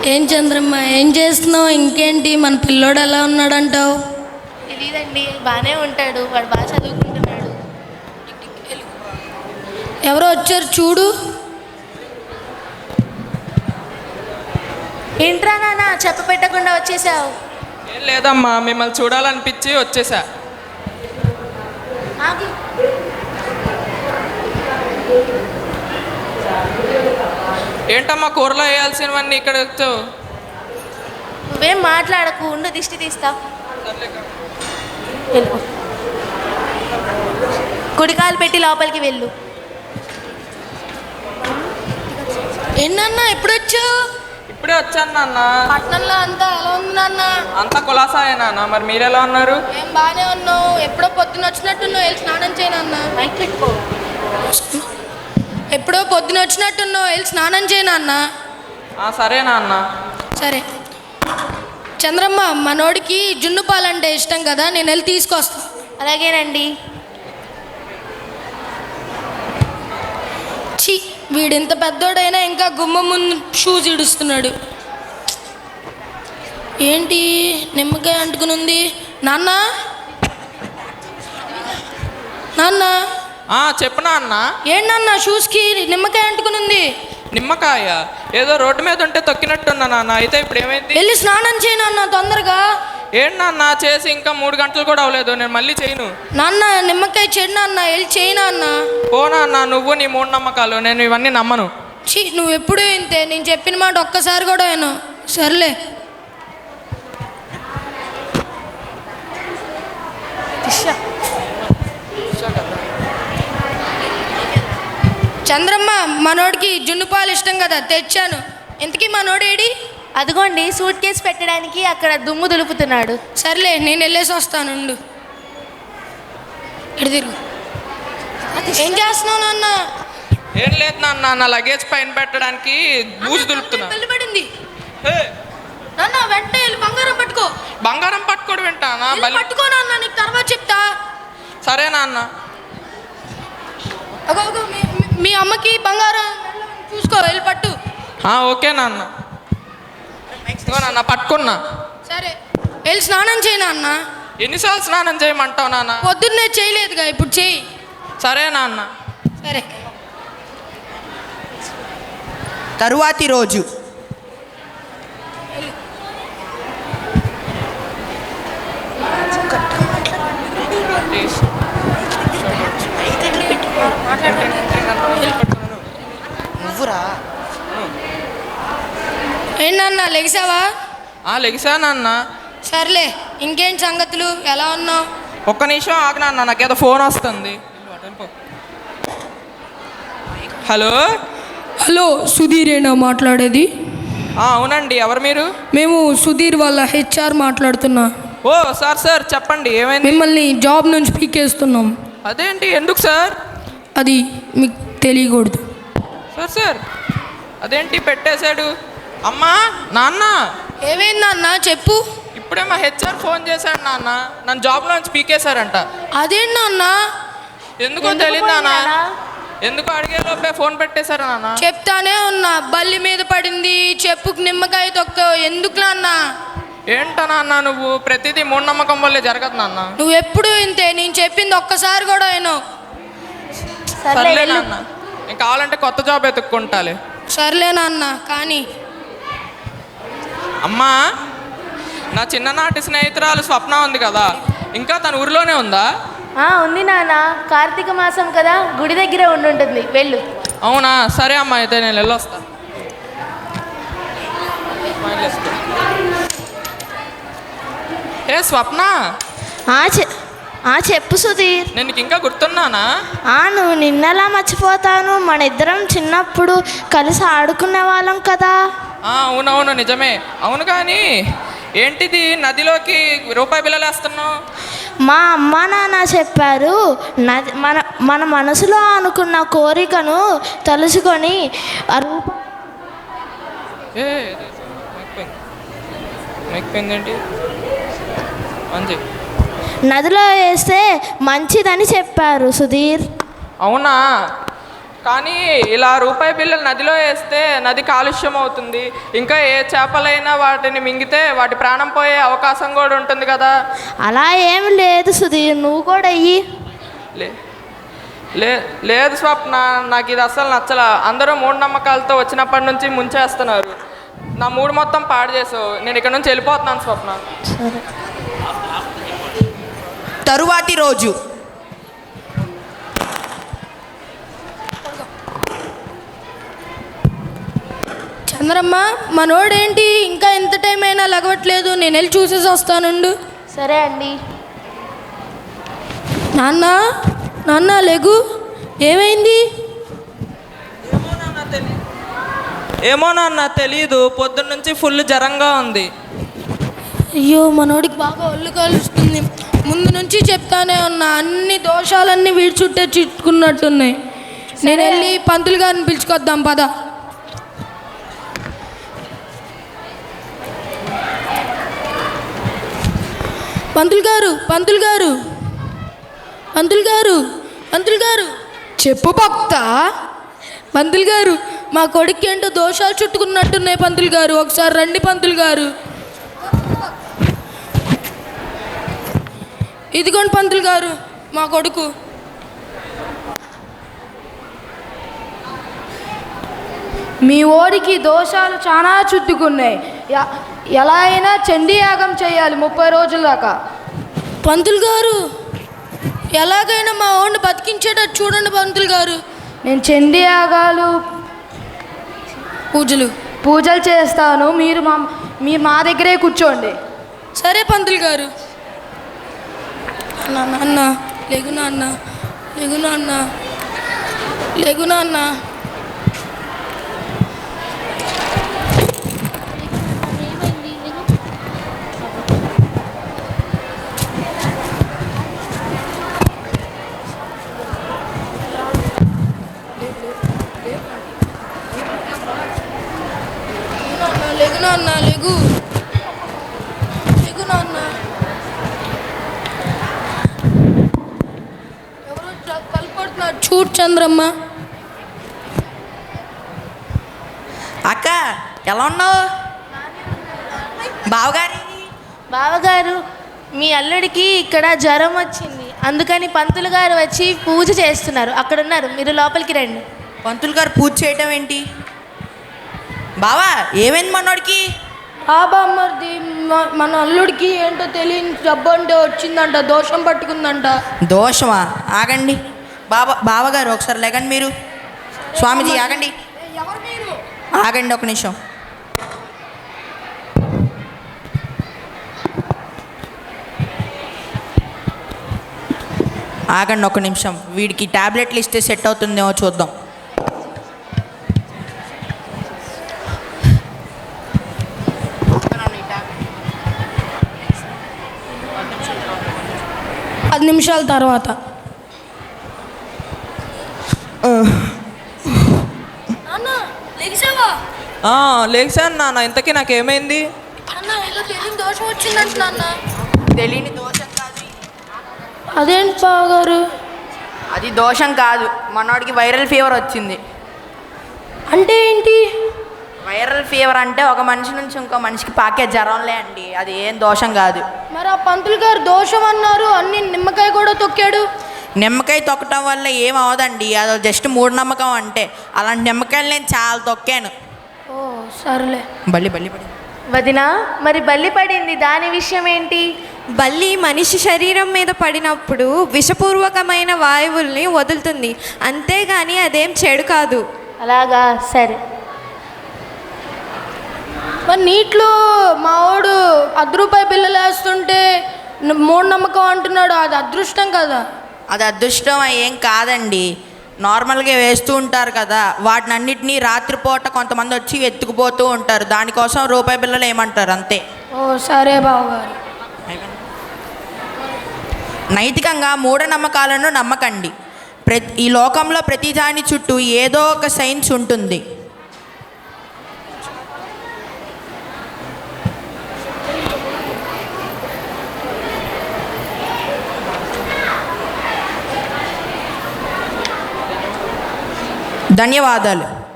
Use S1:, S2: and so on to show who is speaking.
S1: ఏం చంద్రమ్మ, ఏం చేస్తున్నావు? ఇంకేంటి, మన పిల్లోడు ఎలా ఉన్నాడంటావు?
S2: తెలీదండి, బాగానే ఉంటాడు. వాడు బాగా చదువుకుంటున్నాడు.
S1: ఎవరో వచ్చారు చూడు.
S2: ఏంట్రా నాన్న చెప్ప పెట్టకుండా వచ్చేసావు?
S3: ఏం లేదమ్మా, మిమ్మల్ని చూడాలనిపించి వచ్చేసా. ఏంటమ్మా కూరలో వేయాల్సినవన్నీ ఇక్కడ వచ్చావు?
S2: నువ్వేం మాట్లాడకు, ఉండు దిష్టి తీస్తా. వెళ్ళు, కుడికాలు పెట్టి లోపలికి వెళ్ళు.
S1: ఏంటన్నా ఎప్పుడు వచ్చావు?
S3: ఇప్పుడే వచ్చాను నాన్న.
S1: పట్టణంలో అంతా ఎలా ఉంది నాన్న?
S3: అంతా కులాసాయే నాన్న. మరి మీరెలా ఉన్నారు?
S1: ఏం బాగానే ఉన్నావు. ఎప్పుడో పొద్దున వచ్చినట్టున్నావు, వెళ్ళి స్నానం చేయనన్నా.
S2: మైక్ పెట్టుకో.
S1: ఎప్పుడో పొద్దున వచ్చినట్టున్నావు, వెళ్ళి స్నానం చేయనన్నా.
S3: సరే నాన్న.
S1: సరే చంద్రమ్మ, మనోడికి జున్ను పాలంటే ఇష్టం కదా, నేను వెళ్ళి తీసుకొస్తా.
S2: అలాగేనండి.
S1: ఛీ, వీడింత పెద్దోడైనా ఇంకా గుమ్మ ముందు షూస్ ఇడుస్తున్నాడు. ఏంటి నిమ్మకాయ అంటుకుని ఉంది? నాన్న, నాన్న.
S3: చెప్పు నాన్న.
S1: ఏంటన్నా షూస్కి నిమ్మకాయ అంటుకుని ఉంది?
S3: నిమ్మకాయ ఏదో రోడ్డు మీద ఉంటే తొక్కినట్టున్నా నాన్న. అయితే ఇప్పుడు ఏమైంది?
S1: వెళ్ళి స్నానం చేయను అన్న తొందరగా.
S3: ఏంటి నాన్న, చేసి ఇంకా 3 గంటలు కూడా అవ్వలేదు. నేను మళ్ళీ చేయను
S1: నాన్న. నిమ్మకాయ చెడు అన్న, వెళ్ళి చేయనా అన్న.
S3: పోనా అన్న, నువ్వు నీ మూఢనమ్మకాలు, నేను ఇవన్నీ నమ్మను.
S1: ఛీ, నువ్వు ఎప్పుడూ ఇంతే. నేను చెప్పిన మాట ఒక్కసారి కూడా విను. సర్లే. చంద్రమ్మ, మనోడికి జున్ను పాలు ఇష్టం కదా, తెచ్చాను. ఇంతకీ మనోడేడి?
S2: అదిగోండి, సూట్ కేసు పెట్టడానికి అక్కడ దుమ్ము దులుపుతున్నాడు.
S1: సర్లే, నేను వెళ్ళేసి వస్తాను. ఇటు తిరుగు. ఏం చేస్తున్నావు నాన్న?
S3: ఏం లేదు నాన్న, నా లగేజ్ పైన పెట్టడానికి బూజు దులుపుతున్నా.
S1: పెళ్లి పడింది నాన్న. వెంటనే వెళ్ళి బంగారం పట్టుకో.
S3: బంగారం పట్టుకోవడం వింటానా?
S1: పట్టుకో నాన్న, నీకు తర్వాత చెప్తా.
S3: సరే నాన్న.
S1: మీ అమ్మకి బంగారం చూసుకో, వెళ్ళి పట్టు.
S3: ఓకే నాన్న. నాన్న పట్టుకున్నా.
S1: సరే, వెళ్ళి స్నానం చేయి నాన్న.
S3: ఎన్నిసార్లు స్నానం చేయమంటావు నాన్న?
S1: పొద్దున్నే చేయలేదుగా, ఇప్పుడు చేయి.
S3: సరే నాన్న.
S1: సరే.
S4: తరువాతి రోజు నువ్వురా.
S1: ఏంటన్నా, లెగిసావా?
S3: లెగిసా నాన్న.
S1: సర్లే, ఇంకేంటి సంగతులు, ఎలా ఉన్నావు?
S3: ఒక్క నిమిషం ఆగు నాన్న, నాకేదో ఫోన్ వస్తుంది. హలో.
S1: హలో, సుధీరేనా మాట్లాడేది?
S3: అవునండి, ఎవరు మీరు?
S1: మేము సుధీర్ వాళ్ళ హెచ్ఆర్ మాట్లాడుతున్నా.
S3: సార్ చెప్పండి, ఏమైంది?
S1: మిమ్మల్ని జాబ్ నుంచి పీకేస్తున్నాం.
S3: అదేంటి, ఎందుకు సార్?
S1: అది మీకు తెలియకూడదు.
S3: సార్ అదేంటి పెట్టేశాడు? అమ్మా, నాన్న.
S1: ఏమైంది నాన్న, చెప్పు.
S3: ఇప్పుడే మా హెచ్ఆర్ ఫోన్ చేశాడు నాన్న, నన్ను జాబ్లో నుంచి పీకేశారంట.
S1: అదేంటి నాన్న?
S3: ఎందుకో తెలియదు నాన్న. ఎందుకు అడిగేలోపే ఫోన్ పెట్టేశారు నాన్న.
S1: చెప్తానే ఉన్నా, బల్లి మీద పడింది, చెప్పుకు నిమ్మకాయ తొక్కావు. ఎందుకు నాన్న?
S3: ఏంటో నాన్న, నువ్వు ప్రతిదీ మూఢనమ్మకం వల్లే జరగదు నాన్న.
S1: నువ్వు ఎప్పుడు ఇంతే, నేను చెప్పింది ఒక్కసారి కూడా విను.
S3: సర్లే నాన్న, నేను కావాలంటే కొత్త జాబ్ ఎత్తుక్కుంటాలే.
S1: సర్లే నాన్న, కానీ
S3: అమ్మా, నా చిన్ననాటి స్నేహితురాలు స్వప్న ఉంది కదా, ఇంకా తన ఊరిలోనే ఉందా?
S2: ఉంది నాన్న, కార్తీక మాసం కదా, గుడి దగ్గరే ఉండుంటుంది, వెళ్ళు.
S3: అవునా? సరే అమ్మా, అయితే నేను వెళ్ళొస్తా. స్వప్న.
S2: చెప్పు సుధీర్.
S3: నేను ఇంకా గుర్తున్నానా?
S2: నువ్వు నిన్నలా మర్చిపోతాను. మన ఇద్దరం చిన్నప్పుడు కలిసి ఆడుకునే వాళ్ళం కదా.
S3: అవునవును, నిజమే. అవును, కానీ ఏంటిది నదిలోకి రూపాయి బిళ్ళలు వేస్తున్నావు?
S2: మా అమ్మ నాన్న చెప్పారు, నది మన మనసులో అనుకున్న కోరికను తలుచుకొని నదిలో వేస్తే మంచిదని చెప్పారు సుధీర్.
S3: అవునా? కానీ ఇలా రూపాయి బిళ్ళలు నదిలో వేస్తే నది కాలుష్యం అవుతుంది. ఇంకా ఏ చేపలైనా వాటిని మింగితే వాటి ప్రాణం పోయే అవకాశం కూడా ఉంటుంది కదా.
S2: అలా ఏమి లేదు సుధీర్, నువ్వు కూడా అయ్యి.
S3: లేదు స్వప్న, నాకు ఇది అస్సలు నచ్చలా. అందరూ మూఢనమ్మకాలతో వచ్చినప్పటి నుంచి ముంచేస్తున్నారు. నా మూడు మొత్తం పాడు చేసావు. నేను ఇక్కడ నుంచి వెళ్ళిపోతున్నాను స్వప్న.
S2: సరే.
S4: తరువాతి రోజు.
S1: చంద్రమ్మ, మనోడేంటి ఇంకా ఎంత టైం అయినా లగవట్లేదు? నేను వెళ్ళి చూసేసి వస్తానుండు.
S2: సరే అండి.
S1: నాన్న, నాన్న లెగు, ఏమైంది?
S3: ఏమో నాన్న తెలీదు, పొద్దున్న నుంచి ఫుల్ జ్వరంగా ఉంది.
S1: అయ్యో, మనోడికి బాగా ఒళ్ళు కలుస్తుంది. ముందు నుంచి చెప్తానే ఉన్నా, అన్ని దోషాలన్నీ వీడి చుట్టే చిట్టుకున్నట్టున్నాయి. నేను వెళ్ళి పంతులు గారిని పిలుచుకొద్దాం పద. పంతులు గారు, పంతులు గారు, పంతులు గారు, పంతులు గారు. చెప్పు భక్త. పంతులు గారు, మా కొడుకు ఏంటో దోషాలు చుట్టుకున్నట్టున్నాయి పంతులు గారు. ఒకసారి రండి పంతులు గారు. ఇదిగోండి పంతులు గారు మా కొడుకు.
S5: మీ ఓడికి దోషాలు చాలా చుట్టుకున్నాయి. ఎలా అయినా చండీ యాగం చేయాలి 30 రోజుల దాకా.
S1: పంతులు గారు, ఎలాగైనా మా ఓడిని బతికించేటట్టు చూడండి పంతులు గారు.
S5: నేను చండీ యాగాలు పూజలు చేస్తాను. మీరు మా దగ్గరే కూర్చోండి.
S1: సరే పంతులు గారు. నాన్న లేగు, నాన్న లేగు, నాన్న లేగు, నాన్న. లేగు నాన్న, లేగు, లేగు నాన్న. ఎవరో కలుపడుతున్నారు, చూడు చంద్రమ్మ.
S4: అక్క ఎలా ఉన్నావు? బావగారి.
S2: బావగారు, మీ అల్లుడికి ఇక్కడ జ్వరం వచ్చింది, అందుకని పంతులు గారు వచ్చి పూజ చేస్తున్నారు. అక్కడ ఉన్నారు, మీరు లోపలికి రండి.
S4: పంతులు గారు పూజ చేయటం ఏంటి? బావా, ఏమైంది మనోడికి?
S1: బామ్మర్ది, మన అల్లుడికి ఏంటో తెలియని జబ్బు అంటే వచ్చిందంట, దోషం పట్టుకుందంట.
S4: దోషమా? ఆగండి బావగారు, ఒకసారి లేకండి మీరు. స్వామీజీ ఆగండి, ఆగండి ఒక నిమిషం. ఆగండి ఒక నిమిషం. వీడికి టాబ్లెట్లు ఇస్తే సెట్ అవుతుందేమో చూద్దాం.
S1: పది నిమిషాల తర్వాత.
S3: లేచాను నాన్న. ఇంతకీ నాకేమైంది?
S1: తెలియని దోషం వచ్చిందంట నాన్న.
S4: తెలియని దోషం కాదు.
S1: అదేంటి బావగారు?
S4: అది దోషం కాదు, మనోడికి వైరల్ ఫీవర్ వచ్చింది.
S1: అంటే ఏంటి?
S4: వైరల్ ఫీవర్ అంటే ఒక మనిషి నుంచి ఇంకో మనిషికి పాకే జ్వరంలే అండి, అది ఏం దోషం కాదు.
S1: మరి ఆ పంతులు గారు దోషం అన్నారు, అన్ని నిమ్మకాయ కూడా తొక్కాడు.
S4: నిమ్మకాయ తొక్కటం వల్ల ఏం అవదండి, అది జస్ట్ మూఢనమ్మకం. అంటే అలాంటి నిమ్మకాయలు నేను చాలా తొక్కాను.
S1: ఓ సర్లే.
S4: బల్లి
S2: వదినా, మరి బల్లి పడింది, దాని విషయం ఏంటి?
S6: బల్లి మనిషి శరీరం మీద పడినప్పుడు విషపూర్వకమైన వాయువుల్ని వదులుతుంది, అంతేగాని అదేం చెడు కాదు.
S2: అలాగా, సరే.
S1: మరి నీటిలో మావాడు ₹10 బిళ్ళలు వేస్తుంటే మూఢనమ్మకం అంటున్నాడు, అది అదృష్టం కదా?
S4: అది అదృష్టం ఏం కాదండి, నార్మల్గా వేస్తూ ఉంటారు కదా, వాటిని అన్నిటినీ రాత్రిపూట కొంతమంది వచ్చి ఎత్తుకుపోతూ ఉంటారు, దానికోసం ₹10 బిళ్ళలు ఏమంటారు అంతే.
S1: ఓ సరే బావగారు.
S4: నైతికంగా మూఢనమ్మకాలను నమ్మకండి. ఈ లోకంలో ప్రతి దాని చుట్టూ ఏదో ఒక సైన్స్ ఉంటుంది. ధన్యవాదాలు.